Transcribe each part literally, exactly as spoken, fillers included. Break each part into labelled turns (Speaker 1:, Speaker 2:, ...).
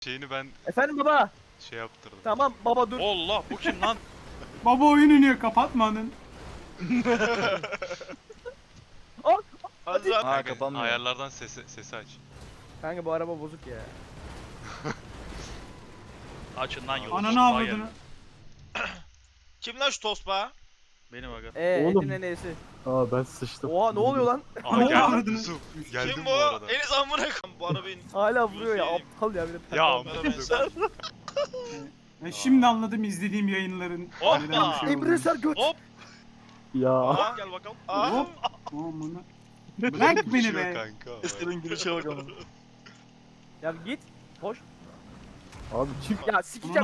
Speaker 1: Şeyini ben
Speaker 2: Efendim baba.
Speaker 1: şey yaptırdım.
Speaker 2: Tamam baba dur.
Speaker 3: Allah bu kim lan?
Speaker 4: Baba oyun iniyor, kapatma onun.
Speaker 2: Aa,
Speaker 5: Hadi lan.
Speaker 3: Ha
Speaker 1: Kanka,
Speaker 3: kapanmıyor.
Speaker 1: ayarlardan sesi, sesi aç.
Speaker 2: kanka bu araba bozuk ya.
Speaker 3: Açın lan yolu.
Speaker 4: Ananı
Speaker 3: Tosbağa
Speaker 4: avradını.
Speaker 3: geldi.
Speaker 5: Kim lan şu tosbağa?
Speaker 3: Benim aga.
Speaker 2: Eee
Speaker 6: Oğlum.
Speaker 2: Edin'in neyse.
Speaker 6: Aa ben sıçtım.
Speaker 2: Oha ne oluyor lan?
Speaker 1: Aa
Speaker 4: Ne
Speaker 1: geldim
Speaker 4: avradını?
Speaker 1: Yusuf. Geldim
Speaker 5: Kim
Speaker 1: bu
Speaker 5: bu?
Speaker 1: arada.
Speaker 5: Enes amına koyayım. Bu arabayı.
Speaker 2: Hala vuruyor ya
Speaker 5: Yusuf.
Speaker 2: aptal ya bir de.
Speaker 1: Ya
Speaker 5: Bana
Speaker 1: amına
Speaker 5: benzer.
Speaker 4: Ben şimdi anladım izlediğim yayınların.
Speaker 5: Hoppa!
Speaker 4: neden bir şey
Speaker 2: Emre Ser göt.
Speaker 5: Hop.
Speaker 6: Ya.
Speaker 5: Aa.
Speaker 3: Gel bakalım.
Speaker 5: Aa.
Speaker 4: Hop. Aman. Bırak beni
Speaker 1: Uçuyor
Speaker 4: be.
Speaker 1: kanka.
Speaker 3: Eser'in gülüşe bak ama.
Speaker 2: Ya git. Hoş.
Speaker 6: Abi çık.
Speaker 2: Ya sikeceğim.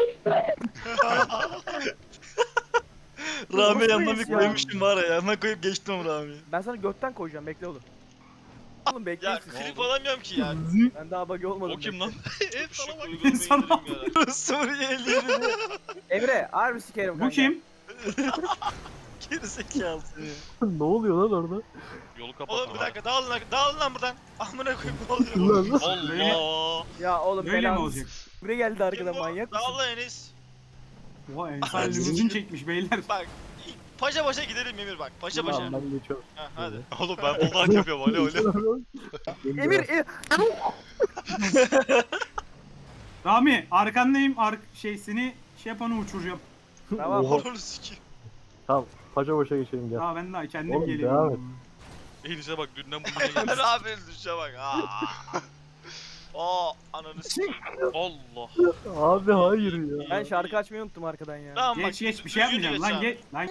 Speaker 3: Rami
Speaker 2: Nasıl
Speaker 3: yanına
Speaker 2: reis
Speaker 3: bir
Speaker 2: ya?
Speaker 3: koymuştum var ya. Yanına koyup geçtim Rami'yi.
Speaker 2: Ben sana götten koyacağım bekle oğlum. Oğlum bekle.
Speaker 5: Ya
Speaker 2: siz.
Speaker 5: klip alamıyorum ki ya.
Speaker 2: Ben daha buggy olmadım.
Speaker 3: O kim
Speaker 2: bekle.
Speaker 3: lan?
Speaker 5: Hep sana bak.
Speaker 4: Sana
Speaker 5: Uygulamayı
Speaker 3: Suriyeli yürüdü.
Speaker 2: Emre harbi sikerim kanka.
Speaker 4: Bu kim?
Speaker 3: Gerizekalı.
Speaker 6: Ne oluyor lan orada?
Speaker 3: Yolu kapat.
Speaker 5: Oğlum bir dakika dağılın lan. Dağılın lan buradan. Amına koyayım ne oluyor?
Speaker 6: Lan
Speaker 3: Allah.
Speaker 2: Ya oğlum
Speaker 4: Böyle mi
Speaker 2: belanı.
Speaker 4: olacak?
Speaker 2: Buraya geldi
Speaker 5: Kim
Speaker 2: arkadan
Speaker 5: bu?
Speaker 2: manyak mısın?
Speaker 5: Dağıl lan Enes.
Speaker 4: Oha Ensar limuzin çekmiş beyler.
Speaker 5: Bak. Paşa paşa gidelim Emir bak. Paşa paşa.
Speaker 6: Tamam ben geçiyorum.
Speaker 5: Ha, hadi.
Speaker 1: Oğlum ben buldak yapıyorum. Alo alo.
Speaker 2: Emir e,
Speaker 4: Rami arkandayım. Ar şey seni şey yapanı uçuracağım.
Speaker 2: Tamam.
Speaker 6: Oha.
Speaker 5: Onu sikeyim.
Speaker 6: Tamam. Paşa başa geçelim gel.
Speaker 4: Aa ben daha kendim
Speaker 6: Oğlum, devam et.
Speaker 4: geliyorum.
Speaker 3: Elis'e bak dünden bugüne gelmiş.
Speaker 5: Emir abinin düşe bak. Aa. Aa ananı sikeyim.
Speaker 3: Allah.
Speaker 6: Abi hayır ya.
Speaker 2: Ben şarkı açmayı unuttum arkadan ya.
Speaker 5: Tamam bak.
Speaker 4: Geç geç bir şey
Speaker 5: düzgün
Speaker 4: yapmayacağım lan
Speaker 5: geç
Speaker 4: geç. Lan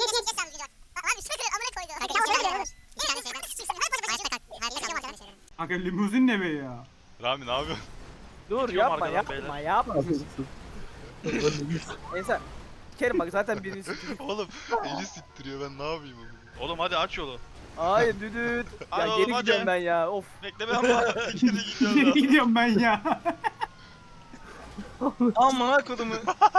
Speaker 4: kanka limuzin ne be ya?
Speaker 1: Rami ne yapıyorsun?
Speaker 2: Dur
Speaker 3: Gidiyorum
Speaker 2: yapma
Speaker 3: arkadan
Speaker 2: yapma
Speaker 3: beyler.
Speaker 2: yapma.
Speaker 6: Abi,
Speaker 2: Neyse. Sikerim bak zaten birini sikerim.
Speaker 1: Oğlum eli siktiriyor ben ne yapayım onu?
Speaker 3: Oğlum hadi aç yolu.
Speaker 2: Hayır düdüt. Ya
Speaker 5: Hadi oğlum,
Speaker 2: geri
Speaker 5: hadi.
Speaker 2: gidiyorum ben ya of.
Speaker 5: Bekle ben var. Geri gidiyorum.
Speaker 4: Nereye gidiyorum ben ya?
Speaker 5: Amına kodumu.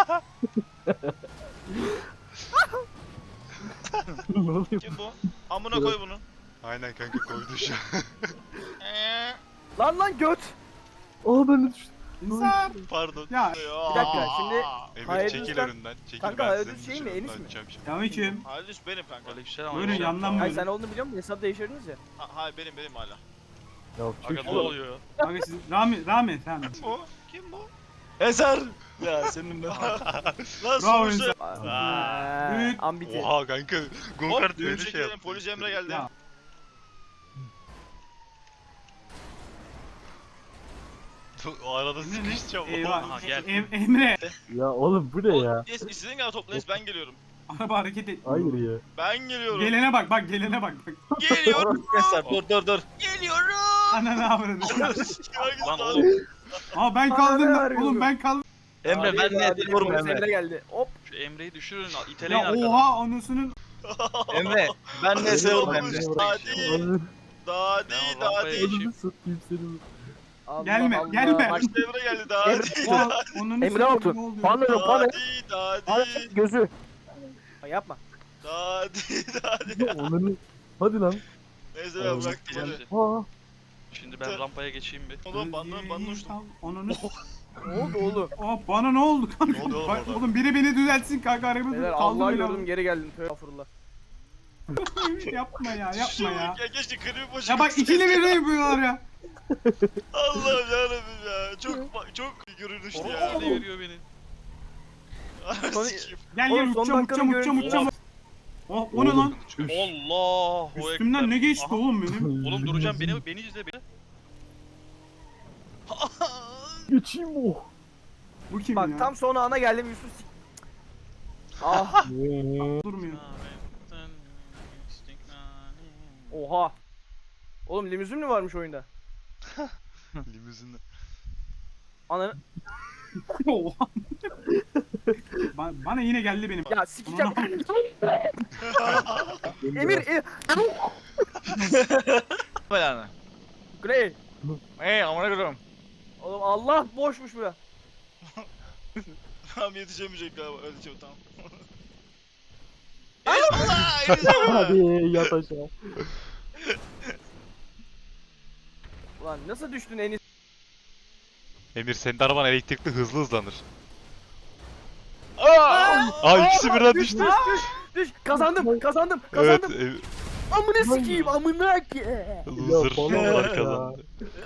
Speaker 6: ne oluyor?
Speaker 5: Kim bu? Amına koy bunu.
Speaker 1: Aynen kanka koydu şu an.
Speaker 5: Eee.
Speaker 2: Lan lan göt.
Speaker 6: Aa ben de düştüm.
Speaker 4: İnsan.
Speaker 1: Pardon.
Speaker 4: Ya
Speaker 2: Bir dakika şimdi
Speaker 1: Emir
Speaker 2: Hayır,
Speaker 1: çekil
Speaker 2: lütfen.
Speaker 1: önünden. Çekil
Speaker 2: Kanka,
Speaker 1: ben
Speaker 2: hayır,
Speaker 1: senin
Speaker 2: şey mi,
Speaker 1: dışarıdan
Speaker 2: Enis mi?
Speaker 1: açacağım şimdi.
Speaker 4: Selamünaleyküm.
Speaker 5: Halis benim kanka.
Speaker 3: Aleykümselam.
Speaker 4: Buyurun
Speaker 3: aleykümselam.
Speaker 4: yandan
Speaker 2: Hayır
Speaker 4: buyurun.
Speaker 2: sen olduğunu biliyor musun? Hesap değiştirdiniz ya.
Speaker 5: Ha, hayır benim benim hala.
Speaker 6: Ya
Speaker 3: Aga
Speaker 6: çık.
Speaker 3: ne oluyor ya?
Speaker 4: Kanka siz Rami Rami sen.
Speaker 5: Kim bu? Kim bu?
Speaker 3: Eser. Ya senin ben.
Speaker 5: Lan
Speaker 4: Bravo
Speaker 5: sonuçta.
Speaker 4: insan.
Speaker 2: Eee,
Speaker 4: Büyük.
Speaker 2: ambiti.
Speaker 1: Oha kanka.
Speaker 5: Hop
Speaker 1: Go-kart
Speaker 5: düğün
Speaker 1: böyle şey
Speaker 5: çekelim.
Speaker 1: yaptı.
Speaker 5: Polis Emre geldi.
Speaker 4: Ya.
Speaker 1: O arada
Speaker 4: Ne, ne?
Speaker 1: sıkışacağım.
Speaker 4: Eyvah.
Speaker 3: Aha, gel.
Speaker 4: Em- Emre.
Speaker 6: Ya oğlum bu ne ya?
Speaker 5: Oğlum, yes, istediğin kadar topla Enes, ben geliyorum.
Speaker 4: Araba hareket et.
Speaker 6: Hayır ya.
Speaker 5: Ben geliyorum.
Speaker 4: Gelene bak bak gelene bak. bak.
Speaker 5: Geliyorum.
Speaker 3: Eser dur dur dur.
Speaker 5: Geliyorum.
Speaker 4: Ananı avradı.
Speaker 3: Lan oğlum.
Speaker 4: Aa ben
Speaker 2: Aa,
Speaker 4: kaldım
Speaker 2: ne
Speaker 4: lan.
Speaker 2: arıyor
Speaker 4: Oğlum
Speaker 2: bu?
Speaker 4: ben kaldım.
Speaker 3: Emre
Speaker 2: Hadi,
Speaker 3: ben ne
Speaker 2: hadi,
Speaker 3: ediyorum
Speaker 2: polis Emre
Speaker 3: Emre.
Speaker 2: geldi. Hop.
Speaker 3: Şu Emre'yi düşürün iteleyin
Speaker 4: Ya
Speaker 3: arkadan.
Speaker 4: oha anasının.
Speaker 3: Emre ben ne seviyorum
Speaker 5: Emre.
Speaker 3: Emre.
Speaker 5: Daha değil.
Speaker 6: Ananı
Speaker 5: Daha
Speaker 3: Ben
Speaker 5: değil.
Speaker 3: o
Speaker 5: Daha
Speaker 3: rampaya
Speaker 5: değil.
Speaker 3: geçeyim.
Speaker 6: satayım seni.
Speaker 2: Allah
Speaker 4: Gelme,
Speaker 2: Allah.
Speaker 4: gelme.
Speaker 5: Başta Emre geldi. Daha
Speaker 2: Emre-
Speaker 5: değil.
Speaker 4: Oha onun
Speaker 2: Emre Altun.
Speaker 4: Ne oluyor?
Speaker 2: Pardon
Speaker 5: Daha
Speaker 2: pardon.
Speaker 5: değil. Daha
Speaker 2: Pardon
Speaker 5: değil.
Speaker 2: gözü. Ha, yapma.
Speaker 5: Daha değil. Daha değil.
Speaker 6: Ananı. Hadi lan.
Speaker 5: Neyse ben bıraktım hadi.
Speaker 3: Şimdi,
Speaker 6: Aa.
Speaker 3: şimdi ben rampaya geçeyim bir.
Speaker 5: Oğlum bandan bandan uçtum.
Speaker 4: Onun.
Speaker 2: Ne oldu oğlum?
Speaker 4: Aa bana ne oldu kanka?
Speaker 1: Ne oluyor oğlum
Speaker 4: Bak,
Speaker 1: orada?
Speaker 4: oğlum biri beni düzeltsin kanka arabamı
Speaker 2: Beyler
Speaker 4: kaldı
Speaker 2: Allah'ı
Speaker 4: beni.
Speaker 2: gördüm geri geldim. Tövbe estağfurullah.
Speaker 4: Yapma ya yapma ya.
Speaker 5: Ya keşke klibi boşa
Speaker 4: Ya bak
Speaker 5: gitsin.
Speaker 4: ikili bir yapıyorlar ya.
Speaker 5: Allah'ım yarabbim ya. Çok çok görünüşlü ya.
Speaker 3: Orada veriyor beni.
Speaker 2: Son-
Speaker 5: Sikeyim.
Speaker 4: Gel
Speaker 2: Oğlum,
Speaker 4: gel
Speaker 2: son
Speaker 4: uçacağım
Speaker 2: dakikanın
Speaker 4: uçacağım uçacağım
Speaker 2: görüntüsü.
Speaker 4: uçacağım. Oh o ne lan?
Speaker 3: Allahu
Speaker 4: Üstümden
Speaker 3: Ekber.
Speaker 4: ne geçti
Speaker 3: Aha.
Speaker 4: oğlum benim?
Speaker 3: Oğlum duracağım beni beni izle beni.
Speaker 6: Geçeyim oh.
Speaker 4: Bu kim
Speaker 2: Bak
Speaker 4: ya?
Speaker 2: tam son ana geldim Yusuf sik. Ah
Speaker 4: Durmuyor.
Speaker 2: oha. Oğlum limuzin mi varmış oyunda?
Speaker 1: Limuzinle.
Speaker 2: Ananı
Speaker 4: Oha. Ba- bana yine geldi benim.
Speaker 2: ya sikeceğim. Emir e,
Speaker 3: Belanı.
Speaker 2: Grey.
Speaker 3: Hey amına koyayım.
Speaker 2: Oğlum Allah boşmuş bura.
Speaker 5: Tamam yetişemeyecek galiba. Öleceğim tamam. Allah! Yetişemem.
Speaker 6: Hadi yat aşağı.
Speaker 2: Ulan nasıl düştün Enis?
Speaker 1: Emir senin araban elektrikli hızlı hızlanır.
Speaker 3: Aa!
Speaker 1: Aa ikisi birden
Speaker 2: Düş
Speaker 1: düştü.
Speaker 2: düş düş. Düş. Kazandım kazandım
Speaker 1: Evet.
Speaker 2: kazandım.
Speaker 1: Emir-
Speaker 2: Amına sikeyim amına ki.
Speaker 1: Loser
Speaker 6: bana bak
Speaker 1: onlar
Speaker 6: ya.
Speaker 1: kazandı.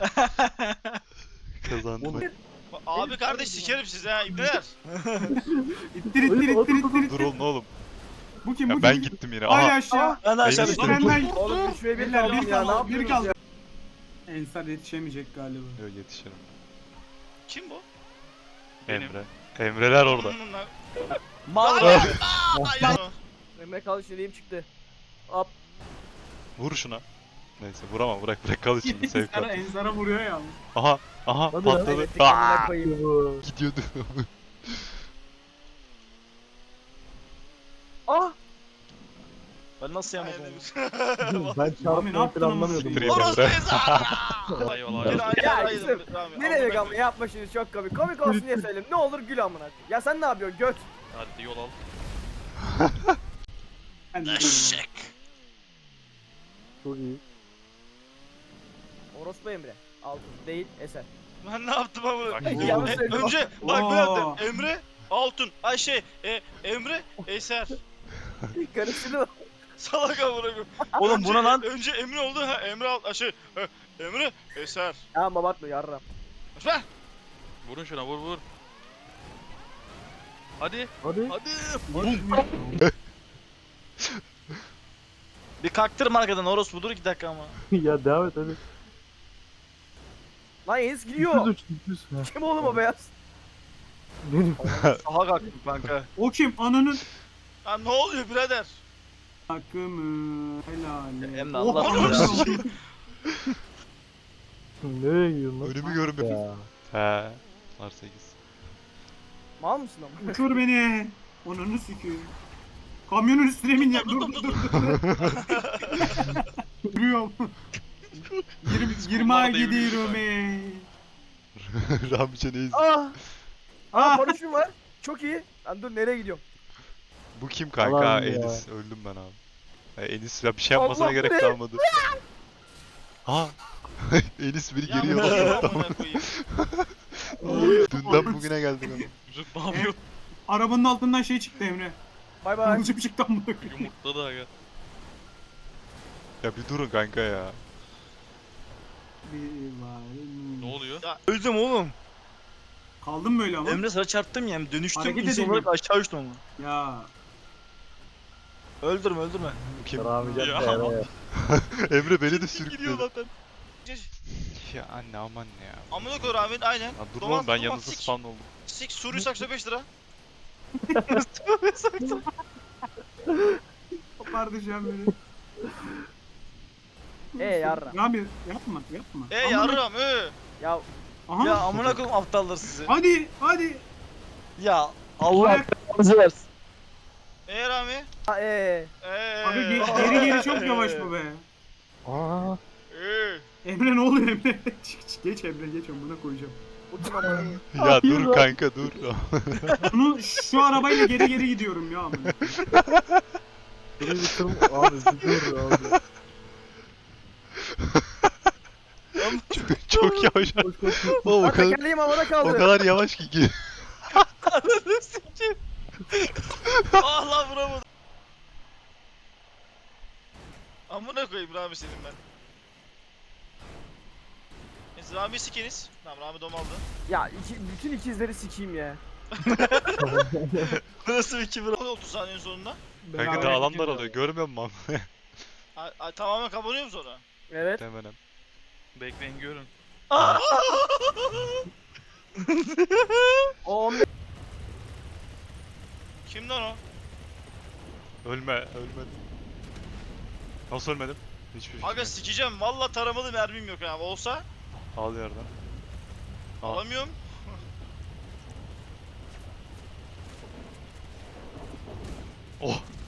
Speaker 1: Kazandı.
Speaker 5: Abi kardeş sikerim sizi ha ibneler.
Speaker 4: İttir ittir ittir ittir.
Speaker 1: Dur oğlum oğlum.
Speaker 4: Bu kim
Speaker 1: Ya
Speaker 4: bu
Speaker 1: ben
Speaker 4: kim?
Speaker 1: gittim yine.
Speaker 4: Hala
Speaker 1: Aha.
Speaker 4: aşağı.
Speaker 3: Ben de aşağı
Speaker 1: Beni
Speaker 3: düştüm.
Speaker 1: istedim.
Speaker 4: Ben
Speaker 2: Oğlum üç ve bir
Speaker 4: Beyler,
Speaker 2: kaldım
Speaker 4: bir
Speaker 2: ya ne
Speaker 4: kaldı, bir
Speaker 2: yapıyorsunuz
Speaker 4: kaldı.
Speaker 2: ya?
Speaker 4: Ensar yetişemeyecek galiba.
Speaker 1: Yok yetişirim.
Speaker 5: Kim bu?
Speaker 3: Benim.
Speaker 1: Emre. Emreler orada.
Speaker 5: Bunlar.
Speaker 3: Mal.
Speaker 5: Ay,
Speaker 2: Emre kalış yeleğim çıktı. Hop.
Speaker 1: Vur şuna. Neyse vurama bırak bırak kal içinde sevk
Speaker 4: Ensar'a,
Speaker 1: al.
Speaker 4: Ensar'a vuruyor ya.
Speaker 1: Aha aha
Speaker 6: Hadi lan.
Speaker 1: patladı.
Speaker 2: Kaybettik amına
Speaker 1: Aa,
Speaker 2: koyayım.
Speaker 6: Bu.
Speaker 1: gidiyordu.
Speaker 2: Ah.
Speaker 3: Ben nasıl yamadım?
Speaker 6: Ben
Speaker 4: Abi ne
Speaker 6: çarpmayı
Speaker 4: yaptın ama?
Speaker 6: planlamıyordum.
Speaker 1: Siktir
Speaker 6: bu arada.
Speaker 5: Orospu ezan.
Speaker 3: Eyvallah.
Speaker 5: Gel
Speaker 3: eyvallah.
Speaker 5: gel
Speaker 2: Ya
Speaker 5: gel.
Speaker 2: kızım, Ne demek ama yapma şimdi çok komik. Komik olsun diye söyleyeyim. Ne olur gül amına koyayım. Ya sen ne yapıyorsun göt?
Speaker 3: Hadi yol al.
Speaker 4: Ben de
Speaker 5: Eşek.
Speaker 6: Çok iyi.
Speaker 2: Orospu Emre. Altın değil eser.
Speaker 5: Ben ne yaptım ama?
Speaker 3: Bak,
Speaker 5: E,
Speaker 2: yanlış
Speaker 5: e,
Speaker 2: söyledim.
Speaker 5: önce bak
Speaker 4: Oo.
Speaker 5: ne yaptım? Emre Altun. Ay şey e, Emre Eser.
Speaker 2: Karıştırdı.
Speaker 5: Salak amına koyayım.
Speaker 3: Oğlum
Speaker 5: Önce-
Speaker 3: buna lan.
Speaker 5: Önce Emre oldu ha Emre Alt ay şey e, Emre Eser.
Speaker 2: Ya babatma yarram.
Speaker 5: Ver.
Speaker 3: Vurun şuna vur vur. Hadi.
Speaker 6: Hadi.
Speaker 3: Hadi. Bir kaktırma arkadan orospu dur iki dakika ama.
Speaker 6: Ya devam et hadi.
Speaker 2: Lan Enis
Speaker 6: Düz
Speaker 2: gidiyor.
Speaker 6: uç düz. Ha,
Speaker 2: Kim oğlum o beyaz?
Speaker 6: Benim.
Speaker 3: Sağa kalktım kanka.
Speaker 4: O kim? Ananın
Speaker 5: Ha ne oluyor birader?
Speaker 4: takımı. Helal.
Speaker 3: Emre
Speaker 4: Oh,
Speaker 3: Allah
Speaker 4: anasını
Speaker 3: korusun.
Speaker 6: Nereye gidiyorsun lan?
Speaker 1: Önümü görmüyorum.
Speaker 6: Ya.
Speaker 1: He. Var sekiz.
Speaker 2: Mal mısın ama?
Speaker 4: Uçur beni. Onunu sikeyim. Kamyonun üstüne min ya. Dur dur dur. Duruyorum. yirmi yirmi ay gidiyorum ey.
Speaker 1: Ramiç'e neyiz?
Speaker 2: Ah! Aa
Speaker 4: Ah!
Speaker 2: paraşütüm var. Çok iyi. Lan dur nereye gidiyorum?
Speaker 1: Bu kim kanka?
Speaker 6: Allah'ım
Speaker 1: Ha,
Speaker 6: ya.
Speaker 1: Enis. Öldüm ben abi. Ha, Enis ya bir şey yapmasına
Speaker 2: Allah,
Speaker 1: gerek
Speaker 2: bu ne?
Speaker 1: kalmadı. Ha. Enis biri
Speaker 5: Ya
Speaker 1: geri
Speaker 5: bu ne
Speaker 1: yola
Speaker 5: amına koyayım?
Speaker 1: Dünden bugüne geldik ama.
Speaker 3: Yusuf ne yapıyor?
Speaker 4: Arabanın altından şey çıktı Emre.
Speaker 2: Bay bay.
Speaker 4: Kılıcım çıktı amına koyayım.
Speaker 3: Yumurtladı aga.
Speaker 1: Ya bir durun kanka ya.
Speaker 4: Bir var.
Speaker 3: Ne oluyor? Öldüm oğlum.
Speaker 4: Kaldım böyle ama.
Speaker 3: Emre sana çarptım ya. Dönüştüm.
Speaker 4: Hareket
Speaker 3: İnsan
Speaker 4: edemiyorum.
Speaker 3: olarak aşağı uçtum ama.
Speaker 4: Ya.
Speaker 3: Öldürme öldürme.
Speaker 1: Bu kim?
Speaker 6: Ramit'e
Speaker 3: Ya.
Speaker 6: de.
Speaker 1: Emre beni de
Speaker 5: Gidiyor
Speaker 1: sürükledi.
Speaker 5: zaten.
Speaker 1: Ya anne aman ya.
Speaker 5: Amına koy Rahmet aynen.
Speaker 1: Ya dur
Speaker 5: Dolan-
Speaker 1: oğlum ben
Speaker 5: dolan
Speaker 1: yanınızda
Speaker 5: sik.
Speaker 1: spawn oldum.
Speaker 5: Sik Suri sakso beş lira.
Speaker 4: Kopardı şu an beni.
Speaker 2: Ee yarram.
Speaker 4: Rami yapma yapma.
Speaker 5: E
Speaker 4: Amına-
Speaker 5: yarram e.
Speaker 2: Ya
Speaker 4: Aha.
Speaker 3: Ya amına koyayım aptallar sizi.
Speaker 4: Hadi hadi.
Speaker 3: Ya Allah belanızı versin.
Speaker 5: E Rami.
Speaker 2: ha, ee.
Speaker 5: E.
Speaker 4: Abi ge- geri geri çok yavaş bu be.
Speaker 6: Aa.
Speaker 5: E.
Speaker 4: Emre ne oluyor Emre? Çık, çık, geç Emre geç amına koyacağım.
Speaker 2: Uçum amına koyayım.
Speaker 1: Ya
Speaker 6: Hayır
Speaker 1: dur
Speaker 6: lan.
Speaker 1: kanka dur.
Speaker 4: Bunu şu arabayla geri geri gidiyorum ya amına.
Speaker 6: Burayı bitirdim. Abi bir dur abi.
Speaker 1: çok, çok yavaş.
Speaker 6: Koş koş koş.
Speaker 1: Oğlum o
Speaker 2: Lan
Speaker 1: kadar,
Speaker 2: tekerleğim havada
Speaker 1: o
Speaker 2: kaldı.
Speaker 1: kadar yavaş ki. ki.
Speaker 3: Ananı sikeyim.
Speaker 5: Ah lan vuramadım. Amına koyayım Rami senin ben. Neyse Rami sikeniz. Tamam Rami dom aldı.
Speaker 2: Ya iki, bütün ikizleri sikeyim ya.
Speaker 3: Nasıl bir kibir?
Speaker 5: Ne oluyor otuz saniyenin sonunda?
Speaker 1: Kanka
Speaker 4: Beraber
Speaker 1: daha alanlar
Speaker 4: gidiyoruz.
Speaker 1: alıyor. Görmüyor musun?
Speaker 5: A- a- tamamen kapanıyor mu sonra?
Speaker 2: Evet.
Speaker 1: Hemen.
Speaker 3: Bekleyin görün.
Speaker 2: O on
Speaker 5: Kim lan o?
Speaker 1: Ölme, ölmedim. Nasıl ölmedim? Hiçbir şey.
Speaker 5: Aga
Speaker 1: yok.
Speaker 5: sikeceğim. Valla taramalı mermim yok abi. Olsa
Speaker 1: Al yerden. Al.
Speaker 5: alamıyorum.
Speaker 1: Oh.